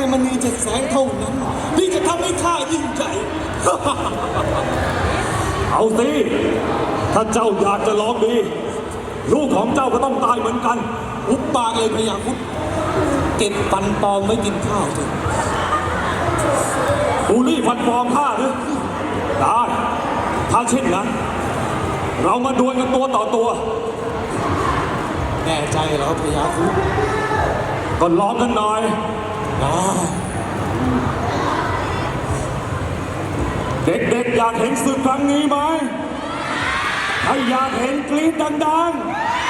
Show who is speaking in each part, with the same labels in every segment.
Speaker 1: มณีเจ็ดแสงเท่านั้นที่จะทำให้ข้ายิ่งใหญ่
Speaker 2: เอาสิถ้าเจ้าอยากจะลองดีลูกของเจ้าก็ต้องตายเหมือนกัน
Speaker 1: อุบปากเลยพญาครุฑเก็บฟันปลอมไว้กินข้าวเถอะ
Speaker 2: บูลลี่ฟันปลอมข้าหรือได้ถ้าเช่นนั้นเรามาดวลกันตัวต่อตัว
Speaker 1: แน่ใจเหรอพญาครุฑ
Speaker 2: ก็ลองกันหน่อยเด็กๆอยากเห็นศึกครั้งนี้ไหมถ้าอยากเห็นกรี๊ดดัง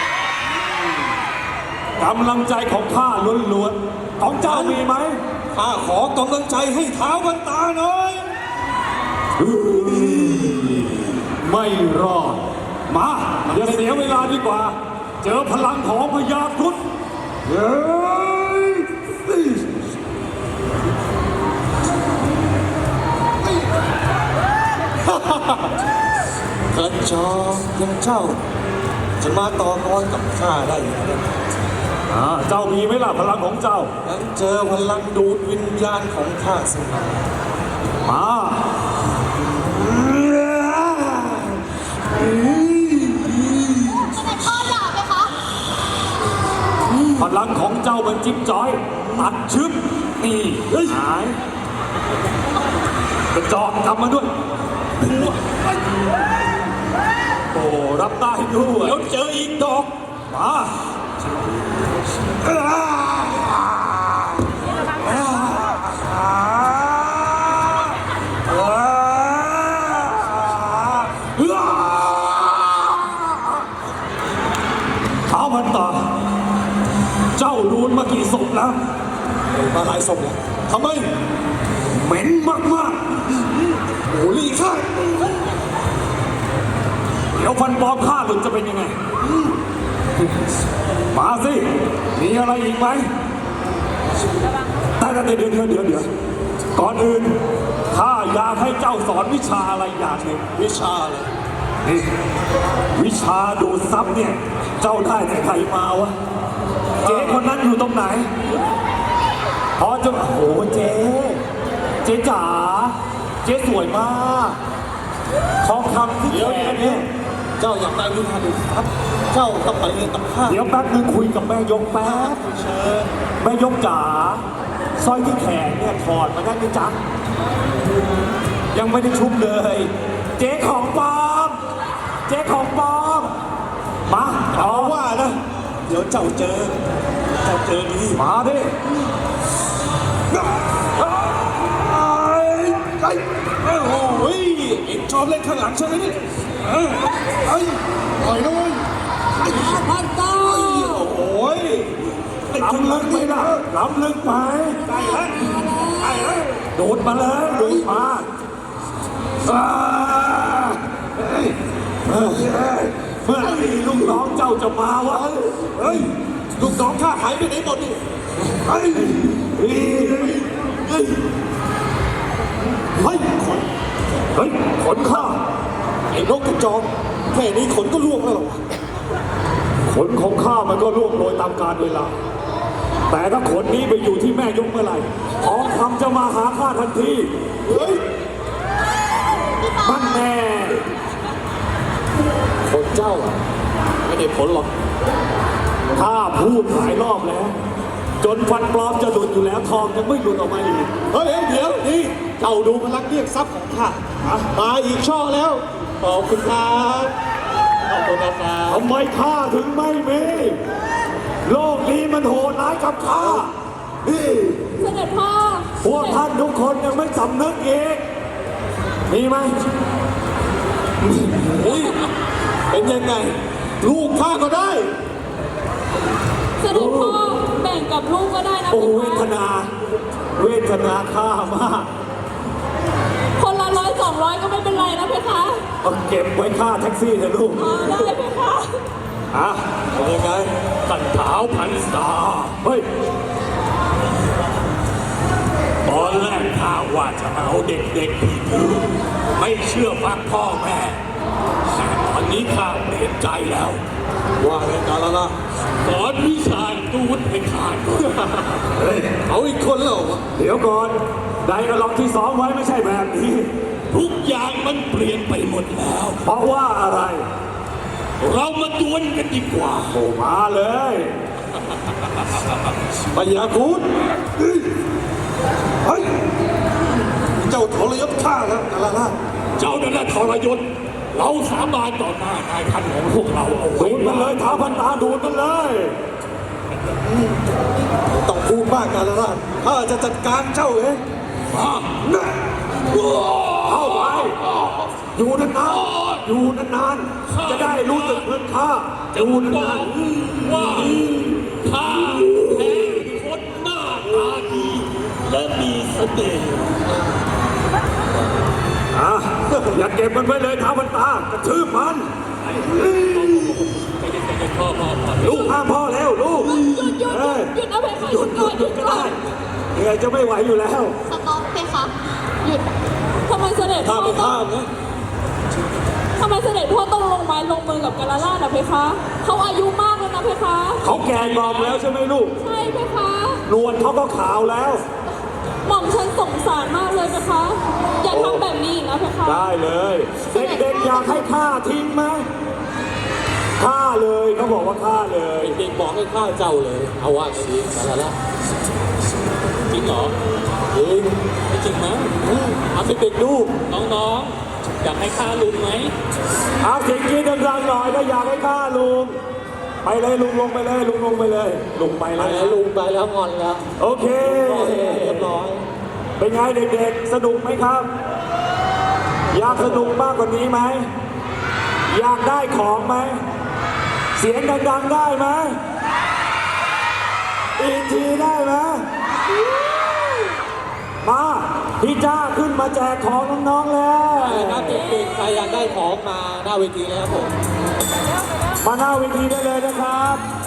Speaker 2: ๆกำลังใจของข้าล้วนๆของเจ้ามีไหม
Speaker 1: ข้าขอกำลังใจให้ท้าวกันตาหน่อย
Speaker 2: ไม่รอดมาอย่าเสียเวลาดีกว่าเจอพลังของพญาครุฑ
Speaker 1: กระจอกยังเจ้าจะมาต่อกรกับข้าได้อย่างไร
Speaker 2: เจ้ามีไหมล่ะพลังของเจ้า
Speaker 1: งั้นเจอพลังดูดวิญญาณของข้าสิ
Speaker 2: มาพลังของเจ้าเป็นจิ๊บจ้อยตัดชึบนี่หายกระจอกกลับมาด้วยโอ้รับได้ด้วย
Speaker 1: แล้วเจออีกดอก
Speaker 2: มาท้าวพันตาเจ้ารูนมากี่ศพแล้ว
Speaker 1: มาหลายศพแล้วทำไม
Speaker 2: เหม็นมาก
Speaker 1: ๆโอ้ลีข้า
Speaker 2: เดี๋ยวฟันปลอมข้าหลุดจะเป็นยังไงมาสิมีอะไรอีกไหมแต่เดี๋ยวก่อนอื่นข้าอยากให้เจ้าสอนวิชาอะไรอย่างหนึ่ง
Speaker 1: วิชาอะไร
Speaker 2: นี่วิชาดูดซับเนี่ยเจ้าได้แต่ใครมาวะเจ๊คนนั้นอยู่ตรงไหนพอจะโอ้โหเจ๊จ๋าเจ๊สวยมากทองคำที่แขนเนี่ย
Speaker 1: เจ้าอยากได้วิชาดูดซับเจ้าต้องไปเรียนกับข้า
Speaker 2: เดี๋ยวแป๊บนึงคุยกับแม่ยกแป๊บแม่ยกจ๋าสร้อยที่แขนเนี่ยถอดมาได้ไหมจ๊ะยังไม่ได้ชุบเลยเจ๊ของปลอมมา
Speaker 1: เอาว่านะเดี๋ยวเจ้าเจอดี
Speaker 2: มาดิ
Speaker 1: โอ้ยเอ็งชอบเล่นข้างหลังใช่ไหมนี่ปล่อยด้วย
Speaker 3: พันตา
Speaker 1: โอ้ย
Speaker 2: ล้ำลึกไหมล่ะล้ำลึกไหม
Speaker 1: ใช่แล้ว
Speaker 2: โดดมาเลยโดดมาเมื่อไหร่ลูกน้องเจ้าจะมาวะ
Speaker 1: เฮ้ยลูกน้องข้าหายไปไหนหมดนี่
Speaker 2: ขนข้า
Speaker 1: ไอ้นกกระจอกแค่นี้ขนก็ล่วงแล้วหรอ
Speaker 2: ขนของข้ามันก็ล่วงโรยตามกาลเวลาแต่ถ้าขนนี้ไปอยู่ที่แม่ยกเมื่อไหร่ทองคำจะมาหาข้าทันที
Speaker 1: เฮ้ย
Speaker 2: มันแน่
Speaker 1: ขนเจ้าไม่ได้ผลหรอก
Speaker 2: ข้าพูดหลายรอบแล้วจนฟันปลอมจะหลุดอยู่แล้วทองยังไม่หลุดออกมาอีก
Speaker 1: เฮ้ยเดี๋ยวนี่เจ้าดูพลังเรียกทรัพย์ของข้ามาอีกช่อแล้วขอบคุณครับขอบคุณครับ
Speaker 2: ทำไมข้าถึงไม่มีโลกนี้มันโหดร้ายกับข้านี่
Speaker 3: เสด็จพ่อ
Speaker 2: พวกท่านทุกคนยังไม่สำนึกอีกมีไหม
Speaker 1: เป็นยังไงลูกข้าก็ได้
Speaker 3: เสด็จพ่อแบ่งกับลูกก็ได้นะ
Speaker 2: โอ้เวทนาข้ามาก
Speaker 3: คนละ100-200ก็ไม่เป็นไรนะเพคะ
Speaker 2: เก็บไว้ค่าแท็กซี่เถอะลูก
Speaker 3: ได้เพคะ
Speaker 1: เป็นยังไง
Speaker 2: กันเท้าพันตาเฮ้ยตอนแรกข้าว่าจะเอาเด็กๆที่ดื้อไม่เชื่อฟังพ่อแม่แต่ตอนนี้ข้าเปลี่ยนใจแล้ว
Speaker 1: ว่าอะไรกันแล้วล่ะ
Speaker 2: สอนวิชาตูดให้ขาดเฮ้ย
Speaker 1: เอาอีกคนแล้ววะ
Speaker 2: เดี๋ยวก่อนไดอะล็อกที่ซ้อมไว้ไม่ใช่แบบนี้
Speaker 4: ทุกอย่างมันเปลี่ยนไปหมดแล้ว
Speaker 2: เพราะว่าอะไร
Speaker 4: เรามาดวลกันดีกว่า
Speaker 2: โอ้มาเลย
Speaker 1: พยาคูดเฮ้ยเจ้าทรยศข้าแล้วกาลาล่า
Speaker 4: เจ้านั่นแหละทรยศเราสาบานต่อหน้านายท่านของพวกเราเอาไว้
Speaker 2: ดูดมันเลยท้าพันตาดูดมันเลย
Speaker 1: ต้องพูดมากกาลาล่าข้าจะจัดการเจ้าเอง
Speaker 4: มา
Speaker 2: เข้าไปอยู่นานๆอยู่นานๆจะได้รู้สึกเหมือนข้าอยู่
Speaker 4: บ
Speaker 2: นา
Speaker 4: อน กว่าข้าแพ้คนหน้าตาดีและมีเสน่ห์
Speaker 2: ๆอ่ะอย่าเก็บมันไว้เลยท้าพันตากระทืบมัน
Speaker 4: ใจเย็นๆพ่อ
Speaker 2: ลูกห้ามพ่อแล้วลูก
Speaker 3: หยุด
Speaker 2: เอ้ย
Speaker 3: หยุดนะเพคะหยุดก่อนหยุด
Speaker 2: ก็
Speaker 3: ก่อ
Speaker 2: ได้
Speaker 3: น
Speaker 2: เหนื่อยจะไม่ไหวอยู่แล้ว
Speaker 5: สต็อปเพคะหยุด
Speaker 3: ทำไมเสด็จพ่
Speaker 1: ข้า
Speaker 3: อ
Speaker 1: ไม่
Speaker 3: ต้อง
Speaker 1: ข้ามนะ
Speaker 3: ทำไมเสด็จพ่อต้องลงไม้ลงมือกับกาลาล่านะเพคะเขาอายุมากแล้วนะเพคะ
Speaker 2: เขาแก่งอมแล้วใช่ไหมลูก
Speaker 3: ใช่เพคะ
Speaker 2: นวลเขาก็ขาวแล้ว
Speaker 3: หม่อมฉันสงสารมากเลยเพคะอย่าทำแบบนี้อีกนะเพคะ
Speaker 2: ได้เลย เด็กๆอยากให้ฆ่าทิ้งไหมฆ่าเลยเขาบอกว่าฆ่าเลย
Speaker 1: เด็กบอกให้ข้าเจ้าเลย เอาว่าไงดีกาลาล่า
Speaker 4: จริงเหรอ
Speaker 1: จริง
Speaker 4: ไม่จริงมั้ง
Speaker 1: เอาไปเป็นลูก
Speaker 4: น้องๆอยากให้ข้าลุงไหม
Speaker 2: เอาเสียงกรีดดังๆหน่อยถ้าอยากให้ฆ่าลุงไปเลยลุงลงไปเลยลุงลงไปเลยลุงไป
Speaker 1: ไป
Speaker 2: เลย
Speaker 1: แล้วลุงไปแล้วงอนแล้ว
Speaker 2: โอเค
Speaker 1: เรียบร้อย
Speaker 2: เป็นไงเด็กๆ สนุกไหมครับ อยากสนุกมากกว่านี้ไหม อยากได้ของไหม เสียงดังๆได้ไหม อีกทีได้ไหม มาพี่จ้าขึ้นมาแจกของน้องๆแล้ว
Speaker 1: ไปเลยครับเด็กๆใครอยากได้ของมาหน้าเวทีเลยครับผม
Speaker 2: มาหน้าเวทีได้เลยนะครับ